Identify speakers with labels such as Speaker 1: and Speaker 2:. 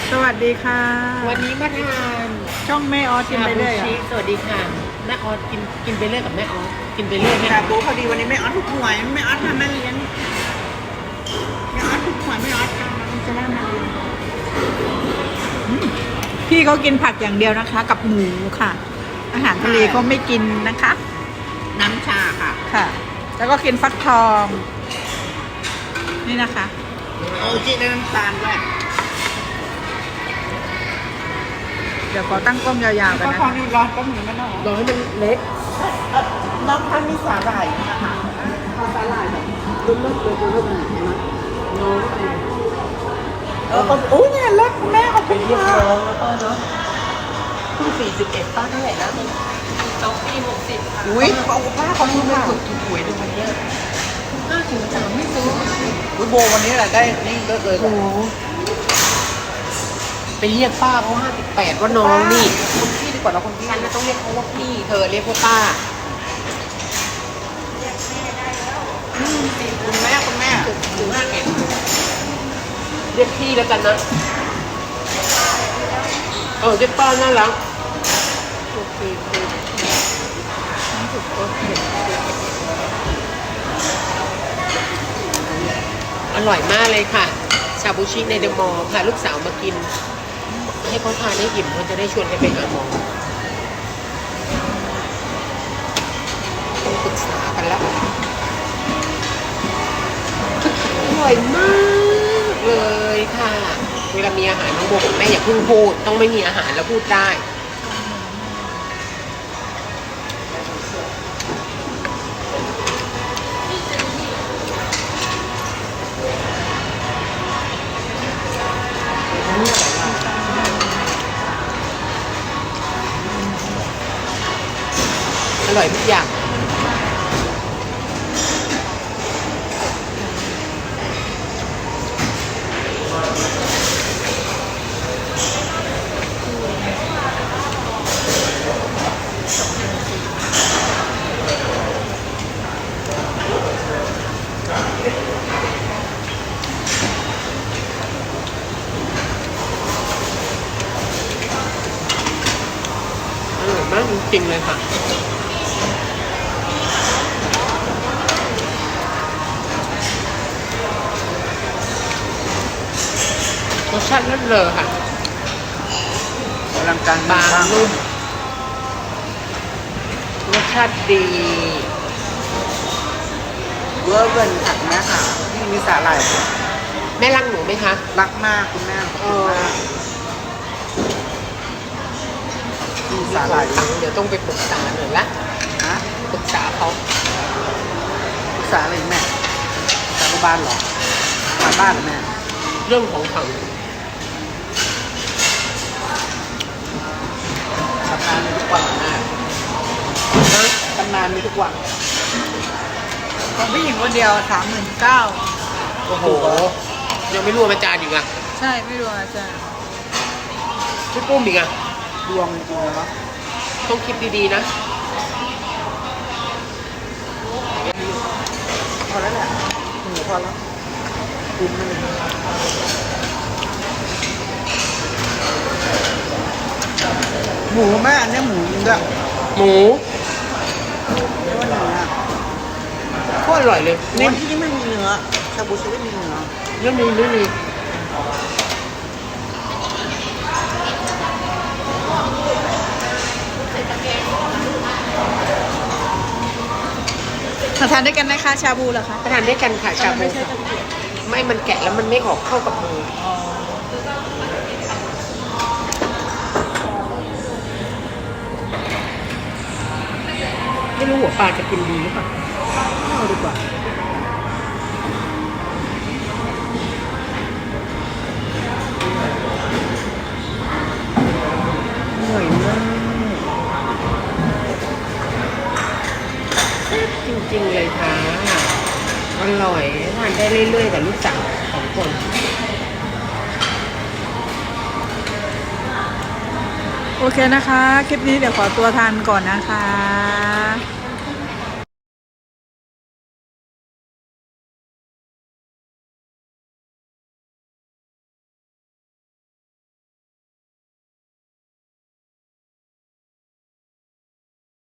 Speaker 1: สวัสดีค่ะ
Speaker 2: วันนี้มาทาน
Speaker 1: ช่องแม่ออสกินไปเรื่อย
Speaker 2: ชาบูชิสวัสดีค่ะแม่ออสกินไปเรื่อยกับแม่ออสกินไปเรื่อย
Speaker 3: ชาบูพอดีวันนี้ไม่ออสถูกหวยไม่ออสทำมาเลี้ยงไม่ออสถูกหวยไม่ออสทำมันจะได้มาเลี้ยง
Speaker 1: พี่เขากินผักอย่างเดียวนะคะ กับหมูค่ะ อาหารทะเลเขาไม่กินนะคะ
Speaker 3: น้ำชาค่ะ
Speaker 1: ค่ะ แล้วก็กินฟักทอง นี่นะคะ
Speaker 3: โอจิได้น้ำตาลด้วย
Speaker 1: เดี๋ยวขอตั้งกล้องยาวๆกัน
Speaker 3: ก็
Speaker 1: นะ
Speaker 3: พอ
Speaker 1: คะ
Speaker 3: นี่ร้อนก็มีไม่น้อง
Speaker 2: รอให้มันเล็ก
Speaker 3: น้องท่านมีสาหร่ายนะคะเอาสาหร่ายแบบรุ่นๆเลยรุ่นๆเลยนะ
Speaker 2: น้อง
Speaker 3: ก็โอ้ยเนี่ยเล็กแม่ขอบคุณ
Speaker 2: เรียก
Speaker 3: ค่ะ
Speaker 2: น้องแล้วป้าเนาะเพิ่ง41ป้าเท่าไหร่นะน้องปี60ค่ะ
Speaker 3: อุ้ยขอบคุณป้าขอบคุณค่ะ
Speaker 2: ถูกหวยในวันเนี้ย503ไม่ซื้อ
Speaker 3: อุ้ยโบวันนี้แหละได้นี่เลิศเลย
Speaker 2: โอ้โหไปเรียกป้าเพราะ58ว่าน้องนี่
Speaker 3: คุณพี่ดีกว่าเราคุณพี่
Speaker 2: ฉันต้องเรียกเขาว่าพี่เธอเรียกว่าป้า
Speaker 3: คุณแม่คุณแม่
Speaker 2: ถึง51เรียกพี่แล้วกันนะเรียกป้าน่ารักโอเคอร่อยมากเลยค่ะ ชาบูชิในเดอะมอลล์พาลูกสาวมากิน ให้เขาทานให้อิ่มเขาจะได้ชวนกันไปหาหมอต้องปรึกษากันแล้วอร่อยมากเลยค่ะ เวลามีอาหารน้องโบบอกแม่อย่าเพิ่งพูดต้องไม่มีอาหารแล้วพูดได้อร่อยทุกอย่างอร่อยมากจริงๆเลยค่ะรสชาติเลิศเลอค่ะ
Speaker 3: กำลังการ
Speaker 2: บางนุ่มรสชาติดี
Speaker 3: เวอร์เวิร์นค่ะคุณแม่ค่ะที่มีสาหร่าย
Speaker 2: แม่รักหนูไหมคะ
Speaker 3: รักมากคุณแม่ขอบคุณมากมีสาหร่าย
Speaker 2: เดี๋ยวต้องไปปรึกษาหน่อยละ
Speaker 3: ฮะ
Speaker 2: ปรึกษาเขา
Speaker 3: ปรึกษาอะไรแม่สารุบ้านเหรอมาบ้านเหรอแม่
Speaker 2: เรื่องของเขา
Speaker 3: ตำนานมีทุกวันแม่
Speaker 2: นะ
Speaker 3: ตำนานมีทุกวัน
Speaker 1: ของผู้หญิงคนเดียว39,000
Speaker 2: โอ้โหยังไม่รวมอาจารย์อีกอ่ะ
Speaker 1: ใช่ไม่รู้อาจารย์
Speaker 2: พี่ปุ้มอีกอ่ะ
Speaker 3: ดวงจริงๆเนาะ
Speaker 2: ต้องคิดดีๆนะ
Speaker 3: พอแล้วแหละหมูพอแล้วคุ้มเลยหมูแม่อันเนี้ยหมูจริงด้วย
Speaker 2: หมู
Speaker 3: ไม่ว่าเนื้อ
Speaker 2: โคตรอร่อยเลย
Speaker 3: นี่
Speaker 2: นี่
Speaker 3: ที่ไม่มีเนื้อชาบูชิไม่มีเนื้อ
Speaker 2: ไม่มี
Speaker 1: มาทานด้วยกันนะคะชาบูเหรอคะ
Speaker 2: ประทานด้วยกันค่ะชาบูค่ะไม่มันแกะแล้วมันไม่ออกเข้ากับมือไม่รู้หัวปลาจะกินดีหรือเปล่าเอาดีกว่าอร่อยมากแซ่บจริงๆเลยค่ะอร่อยทานได้เรื่อยๆกับลูกสาว2 คน
Speaker 1: โอเคนะคะ คลิปนี้เดี๋ยวขอตัวทานก่อนนะคะ